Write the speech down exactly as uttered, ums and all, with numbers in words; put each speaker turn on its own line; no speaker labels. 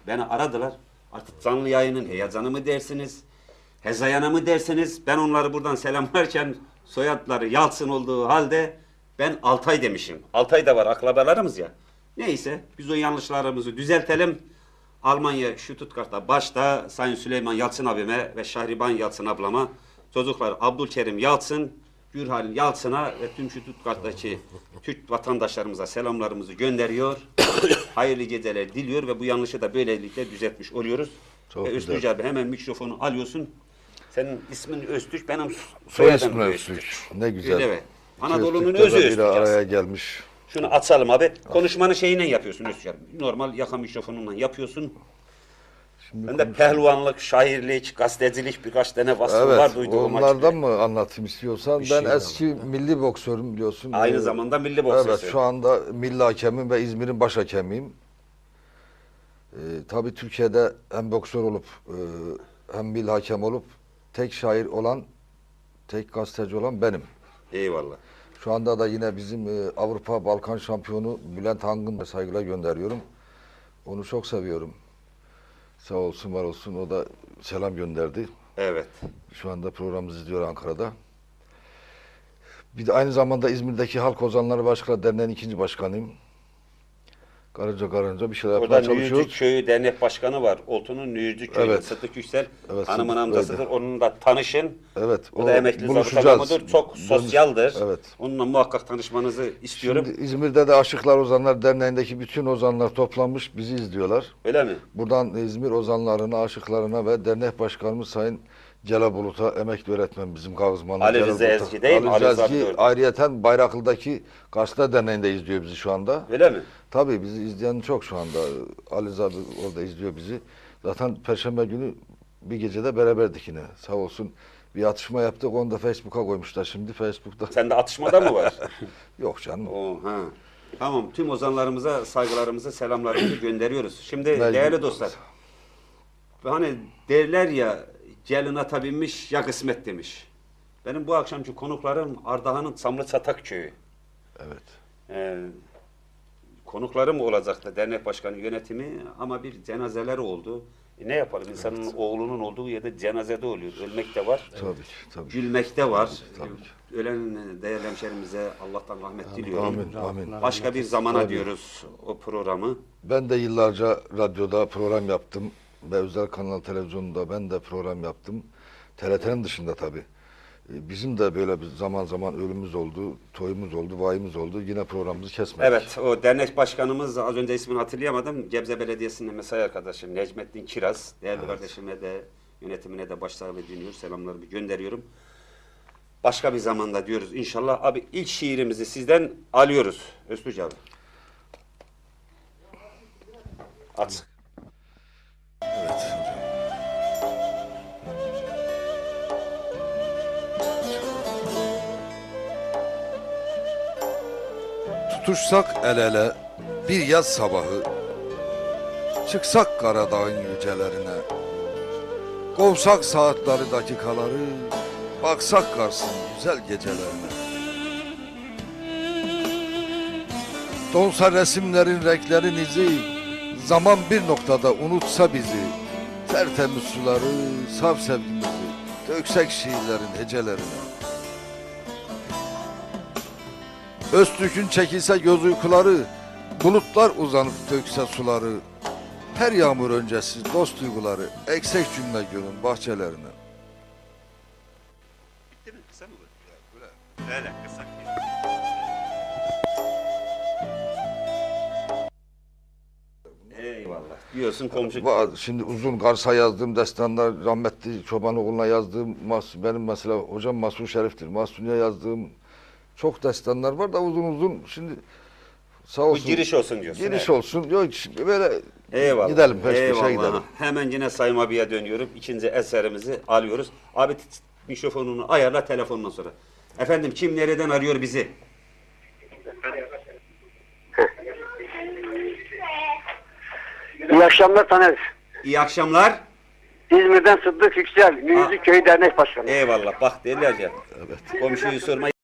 Beni aradılar. Artık canlı yayının heyecanı mı dersiniz? Hezayanı mı dersiniz? Ben onları buradan selamlarken soyadları Yalçın olduğu halde ben Altay demişim. Altay da var, akrabalarımız ya. Neyse biz o yanlışlarımızı düzeltelim. Almanya Stuttgart'ta başta Sayın Süleyman Yalçın abime ve Şahriban Yalçın ablama, çocuklar Abdülkerim Yalçın, Gürhalin Yalçın'a ve tüm Stuttgart'taki Türk vatandaşlarımıza selamlarımızı gönderiyor. Hayırlı geceler diliyor ve bu yanlışı da böylelikle düzeltmiş oluyoruz.
Çok
ve
güzel.
Öztürk abi hemen mikrofonu alıyorsun. Senin ismin Öztürk, benim
Soy
soyadım
ismi
Öztürk.
Öztürk. Ne güzel.
Öyle mi?
İki
Anadolu'nun
Öztürk'te
özü
de biri
Öztürk
araya
aslında.
gelmiş.
Şunu açalım abi. Konuşmanı şeyiyle yapıyorsun Öztürk abi. Normal yaka mikrofonunla yapıyorsun.
Şimdi
Ben de
konuş-
pehlivanlık, şairlik, gazetecilik birkaç tane vasfı
Evet,
var duyduğum
onlardan
açıkçası.
mı anlatayım istiyorsan?
Bir
Ben
şey
eski milli boksörüm biliyorsun.
Aynı
Ee,
zamanda milli boksörsün.
Evet, şu anda milli hakemim ve İzmir'in baş hakemiyim. Ee, tabii Türkiye'de hem boksör olup e, hem milli hakem olup tek şair olan, tek gazeteci olan benim.
Eyvallah.
Şu anda da yine bizim e, Avrupa Balkan şampiyonu Bülent Hangın da saygıyla gönderiyorum. Onu çok seviyorum. Sağ olsun, var olsun. O da selam gönderdi.
Evet.
Şu anda programımızı izliyor Ankara'da. Bir de aynı zamanda İzmir'deki Halk Ozanları Başkanı Derneği'nin ikinci başkanıyım. Karınca karınca bir şeyler
Orada
yapmaya
Nüyücük
çalışıyoruz.
Köyü Dernek Başkanı var. Oltu'nun Nüyücük Köyü.
Evet.
Sıddık Yüksel
Evet,
hanımın
Sıddık
amcasıdır.
Bey'de.
Onunla da tanışın.
Evet.
O da emekli zabıta
buluşacağız.
memurdur. Çok
Dönüş-
sosyaldir.
Evet.
Onunla muhakkak tanışmanızı istiyorum.
Şimdi İzmir'de de Aşıklar Ozanlar Derneği'ndeki bütün ozanlar toplanmış bizi izliyorlar.
Öyle mi?
Buradan İzmir ozanlarına, aşıklarına ve dernek başkanımız Sayın Celal Bulut'a, emekli öğretmen bizim Kavuzmanlı.
Ali
Celal
Rıza
Bulut'a.
Ezgi değil mi?
Ali
Ali
Rıza
Rıza
Ezgi
Bulut.
ayrıyeten Bayraklı'daki Gazete Derneği'nde izliyor bizi şu anda.
Öyle mi?
Tabii bizi izleyen çok şu anda. Ali Rıza orada izliyor bizi. Zaten Perşembe günü bir gecede beraberdik yine. Sağ olsun bir atışma yaptık. Onu da Facebook'a koymuşlar şimdi. Facebook'ta.
Sende atışmada mı var?
Yok canım.
Oo, ha. Tamam. Tüm ozanlarımıza saygılarımızı, selamlarımızı gönderiyoruz. Şimdi
Mecbur.
değerli dostlar. Hani derler ya gelin ata binmiş ya kısmet demiş. Benim bu akşamki konuklarım Ardahan'ın Çamlıçatak köyü.
Evet.
Ee, konuklarım olacaktı dernek başkanı yönetimi ama bir cenazeler oldu. E ne yapalım? İnsanın
Evet.
oğlunun olduğu yerde cenazede oluyor. Ölmek de var.
Tabii ki. Tabii.
Gülmek de var.
Tabii ki.
Ölen değerli hemşerimize Allah'tan rahmet diliyorum.
Amin. Amin.
Başka bir zamana
Tabii.
diyoruz o programı.
Ben de yıllarca radyoda program yaptım ve özel kanal televizyonda ben de program yaptım. T R T'nin dışında tabii. Ee, Bizim de böyle bir zaman zaman ölümümüz oldu, toyumuz oldu, vayımız oldu. Yine programımızı kesmedik.
Evet, o dernek başkanımız, az önce ismini hatırlayamadım. Gebze Belediyesi'nin mesai arkadaşım Necmettin Kiraz. Değerli
Evet.
kardeşime de, yönetimine de başsağlığı diliyor, selamlarımı gönderiyorum. Başka bir zamanda diyoruz inşallah. Abi ilk şiirimizi sizden alıyoruz. Öztürk abi. At.
Evet hocam. Tutuşsak el ele bir yaz sabahı, çıksak Karadağ'ın yücelerine, kovsak saatleri dakikaları, baksak Kars'ın güzel gecelerine. Donsa resimlerin renklerin izi, zaman bir noktada unutsa bizi, tertemiz suları, saf sevgimizi, döksek şiirlerin hecelerine. Öztürk'ün çekilse göz uykuları, bulutlar uzanıp dökse suları, her yağmur öncesi dost duyguları, eksek cümle gölün bahçelerine.
Bitti mi? Kısa mı bu? Öyle, kısa. Eyvallah. Diyorsun komşu.
Va- Şimdi uzun Kars'a yazdığım destanlar, rahmetli Çobanoğlu'na yazdığım, Mas- benim mesela hocam Masum Şerif'tir. Masum'a yazdığım çok destanlar var da uzun uzun şimdi sağ
Bu
olsun.
giriş olsun diyorsun.
Giriş
evet.
olsun. Yok şimdi böyle
Eyvallah.
gidelim peş peşe
Eyvallah.
gidelim.
Hemen yine Sayın abiye dönüyorum. İkinci eserimizi alıyoruz. Abi t- t- mikrofonunu ayarla telefonundan sonra. Efendim kim nereden arıyor bizi?
İyi akşamlar Taner.
İyi akşamlar.
İzmir'den Sıddık Yüksel, Müzik Köyü Dernek Başkanı.
Eyvallah. Bak derler ya. Evet. Komşuyu sorma.